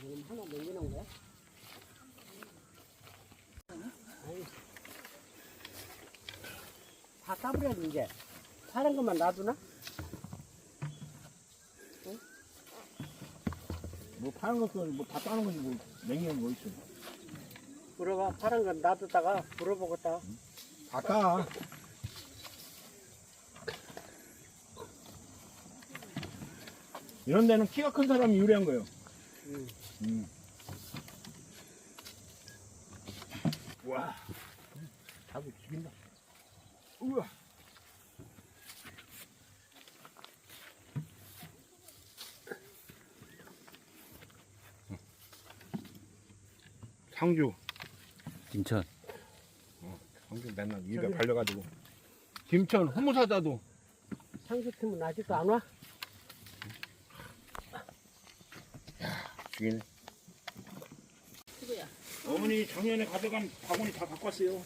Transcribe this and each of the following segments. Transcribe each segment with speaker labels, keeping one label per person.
Speaker 1: 하나 남겨놓은 거야? 다 따버려야 이제. 파란 것만 놔두나? 응?
Speaker 2: 뭐 파는 것도 뭐 다 따는 거지 뭐 냉면 뭐 있어.
Speaker 1: 물어봐. 파란 건 놔두다가 물어보겠다.
Speaker 2: 다 따. 이런 데는 키가 큰 사람이 유리한 거예요. 와, 자꾸 죽인다. 우와. 상주.
Speaker 3: 김천.
Speaker 2: 상주 맨날 입에 발려가지고. 김천 후무사자도.
Speaker 1: 상주팀은 아직도 안 와?
Speaker 2: 죽이네. 어머니 작년에 가져간 바구니 다 갖고 왔어요.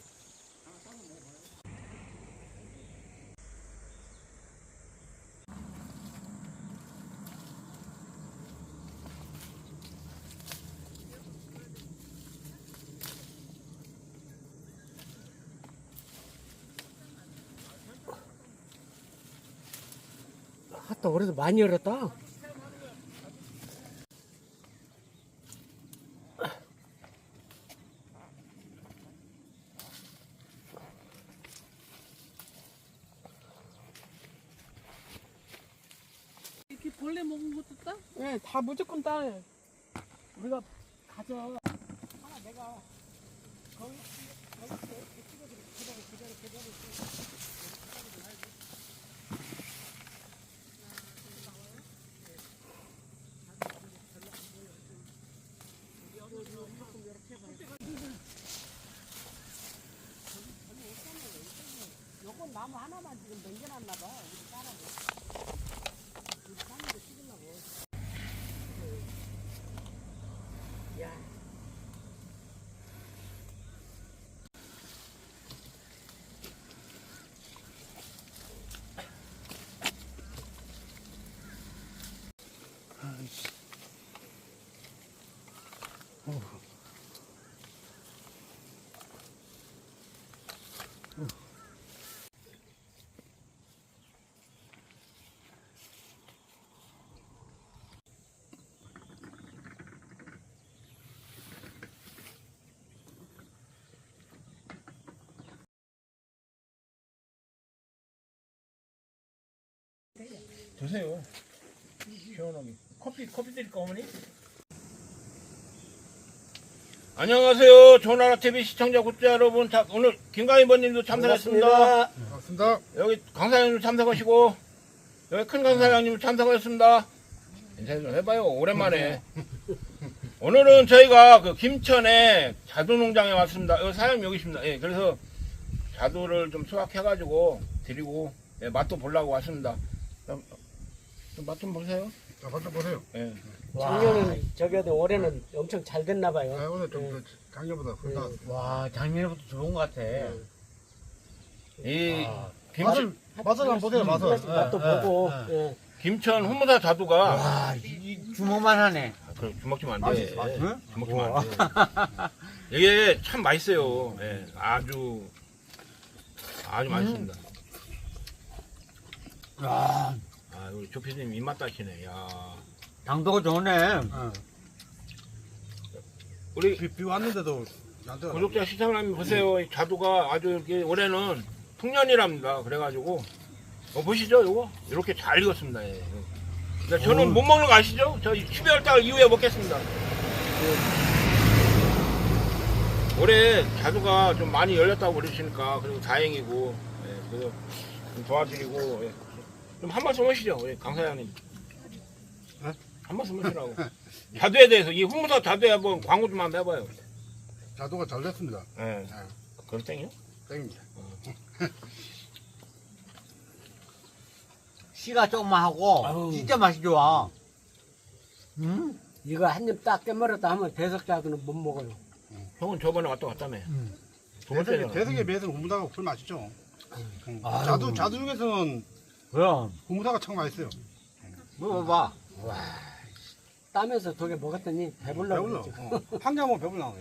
Speaker 1: 하다 그래도 많이 열었다.
Speaker 4: 이렇게 벌레 먹은 것도 따?
Speaker 5: 네, 다 무조건 따요.
Speaker 1: 우리가 가져. 하나 내가 거기 요건 나무 하나만 지금 남겨놨나 봐. 우리 따라고. 우리 따는 거 찍으려고. 야.
Speaker 2: 드세요. 시원하게. 커피 드릴까 어머니? 안녕하세요. 조나라TV 시청자 구독자 여러분. 오늘 김강희번님도 참석했습니다.
Speaker 6: 반갑습니다.
Speaker 2: 여기 강사장님도 참석하시고 여기 큰 강사장님도 참석하셨습니다. 인사 좀 해봐요. 오랜만에. 오늘은 저희가 그 김천에 자두농장에 왔습니다. 여기 사장님 여기 있습니다. 예, 그래서 자두를 좀 수확해가지고 드리고 예, 맛도 보려고 왔습니다. 맛 좀 보세요.
Speaker 6: 자, 맛 좀 보세요.
Speaker 2: 예.
Speaker 1: 작년은 저기도 올해는 엄청 잘 됐나
Speaker 6: 아,
Speaker 1: 봐요.
Speaker 6: 오늘 좀 작년보다 훌 나왔어요.
Speaker 3: 와, 작년부터 좋은 것 같아.
Speaker 2: 이
Speaker 6: 맛을 한번 보세요. 맛을.
Speaker 1: 맛도 보고. 예.
Speaker 2: 김천 후무사 자두가
Speaker 3: 와, 이 주먹만 하네.
Speaker 2: 그래, 주먹 주면 안 돼.
Speaker 3: 응?
Speaker 2: 주먹 주면 안 돼. 이게 참 맛있어요. 예, 아주 맛있습니다.
Speaker 3: 야,
Speaker 2: 아, 우리 조피디님 입맛 다시네. 야,
Speaker 3: 당도가 좋네.
Speaker 2: 우리
Speaker 6: 비 왔는데도 안 돼요.
Speaker 2: 구독자 시청자님 보세요. 이 자두가 아주 이렇게 올해는 풍년이랍니다. 그래가지고 보시죠, 요거 이렇게 잘 익었습니다. 예. 근데 저는 못 먹는 거 아시죠? 저 12월 달 이후에 먹겠습니다. 올해 자두가 좀 많이 열렸다고 그러시니까 그리고 다행이고 예, 그래서 좀 도와드리고 예. 좀 한 말씀 하시죠, 우리 강 사장님.
Speaker 6: 네?
Speaker 2: 한 말씀 하시라고. 자두에 대해서 이 후무사 자두에 한번 광고 좀 한번 해봐요.
Speaker 6: 자두가 잘 됐습니다.
Speaker 2: 예. 그렇땡이요?
Speaker 6: 땡입니다.
Speaker 3: 씨가 조금만 하고
Speaker 1: 아우.
Speaker 3: 진짜 맛이 좋아.
Speaker 1: 이거 한 입 딱 깨물었다 하면 대석자두는 못 먹어요.
Speaker 2: 형은 저번에 왔다 갔다며. 두 번째는.
Speaker 6: 대석에 비해서는 후무사가 훨씬 맛있죠.
Speaker 3: 아유.
Speaker 6: 자두 중에서는
Speaker 3: 그럼
Speaker 6: 후무사가 참 맛있어요.
Speaker 3: 먹어봐.
Speaker 1: 따면서 두 개 먹었더니 배불러
Speaker 6: 배불러.
Speaker 1: 그러죠.
Speaker 6: 한 개 먹으면 배불러.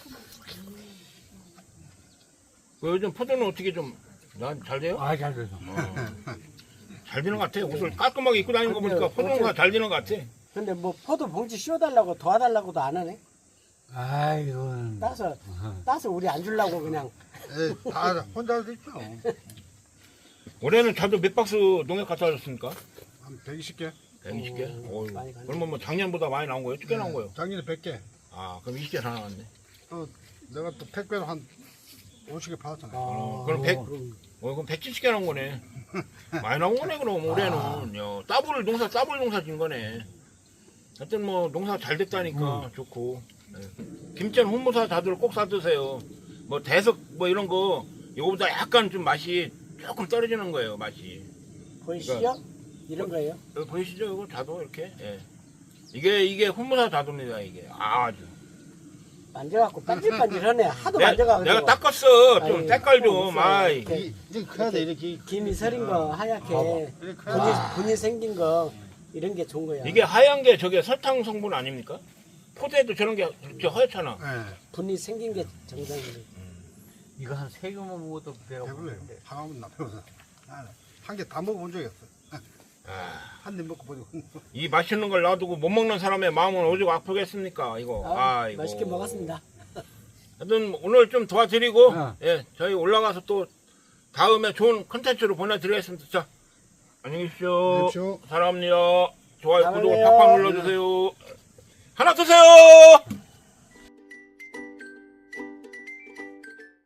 Speaker 2: 그 요즘 포도는 어떻게 좀 난 잘 돼요?
Speaker 3: 아, 잘 돼서.
Speaker 2: 잘 되는 것 같아. 옷을 깔끔하게 입고 다니는 거 보니까
Speaker 1: 근데
Speaker 2: 포도가 잘 되는 것 같아.
Speaker 1: 근데 뭐 포도 봉지 씌워달라고 도와달라고도 안 하네.
Speaker 3: 아이고.
Speaker 1: 따서 우리 안 주려고 그냥.
Speaker 6: 예, 다 혼자 할 수 있죠.
Speaker 2: 올해는 자두 몇 박스 농약 갖다 줬습니까?
Speaker 6: 한 120개.
Speaker 2: 120개?
Speaker 1: 오,
Speaker 2: 어휴,
Speaker 1: 많이 갔네.
Speaker 2: 그러면 뭐 작년보다 많이 나온 거예요? 어떻게 나온 거예요?
Speaker 6: 작년에 100개.
Speaker 2: 아, 그럼 20개 다 나왔네.
Speaker 6: 또 내가 또 택배로 한 50개 받았잖아요.
Speaker 2: 그럼 100, 그럼 170개 나온 거네. 많이 나온 거네, 그럼 올해는. 야, 더블 농사 진 거네. 하여튼 뭐 농사 잘 됐다니까 좋고. 네. 김천 훈무사 자두를 꼭 사드세요. 뭐 대석 뭐 이런 거 이거보다 약간 좀 맛이 조금 떨어지는 거예요, 맛이.
Speaker 1: 보이시죠? 이런 거예요.
Speaker 2: 여기 보이시죠? 이거 자두 이렇게. 예. 이게 훈무사 자두입니다, 이게. 아주.
Speaker 1: 만져갖고 반질반질하네. 하도 만져가지고.
Speaker 2: 내가 닦았어. 좀
Speaker 1: 아이,
Speaker 2: 색깔 좀.
Speaker 1: 있어요.
Speaker 2: 아이.
Speaker 1: 이렇게
Speaker 6: 이제 커야 돼, 이렇게.
Speaker 1: 김이 서린 거 하얗게
Speaker 6: 이렇게 커야
Speaker 1: 분이 생긴 거 이런 게 좋은 거야.
Speaker 2: 이게 하얀 게 저게 설탕 성분 아닙니까? 포도에도 저런 게 이렇게 하얗잖아.
Speaker 6: 돼. 예.
Speaker 1: 분이 생긴 게 정상이래.
Speaker 3: 이거 한 3개만 먹어도 배가
Speaker 6: 배불러요.
Speaker 3: 부른데.
Speaker 6: 하나만 나 배워서. 한 개 다 먹어본 적이 없어.
Speaker 2: 아,
Speaker 6: 한 입 먹고 보고.
Speaker 2: 이 맛있는 걸 놔두고 못 먹는 사람의 마음은 오죽 아프겠습니까? 이거. 아이고.
Speaker 1: 맛있게 먹었습니다.
Speaker 2: 하여튼 오늘 좀 도와드리고
Speaker 3: 어.
Speaker 2: 예, 저희 올라가서 또 다음에 좋은 컨텐츠로 보내드리겠습니다. 자, 안녕히 계십시오.
Speaker 6: 계십시오.
Speaker 2: 사랑합니다. 좋아요, 구독,
Speaker 1: 사랑해요.
Speaker 2: 팍팍 눌러주세요. 하나 드세요.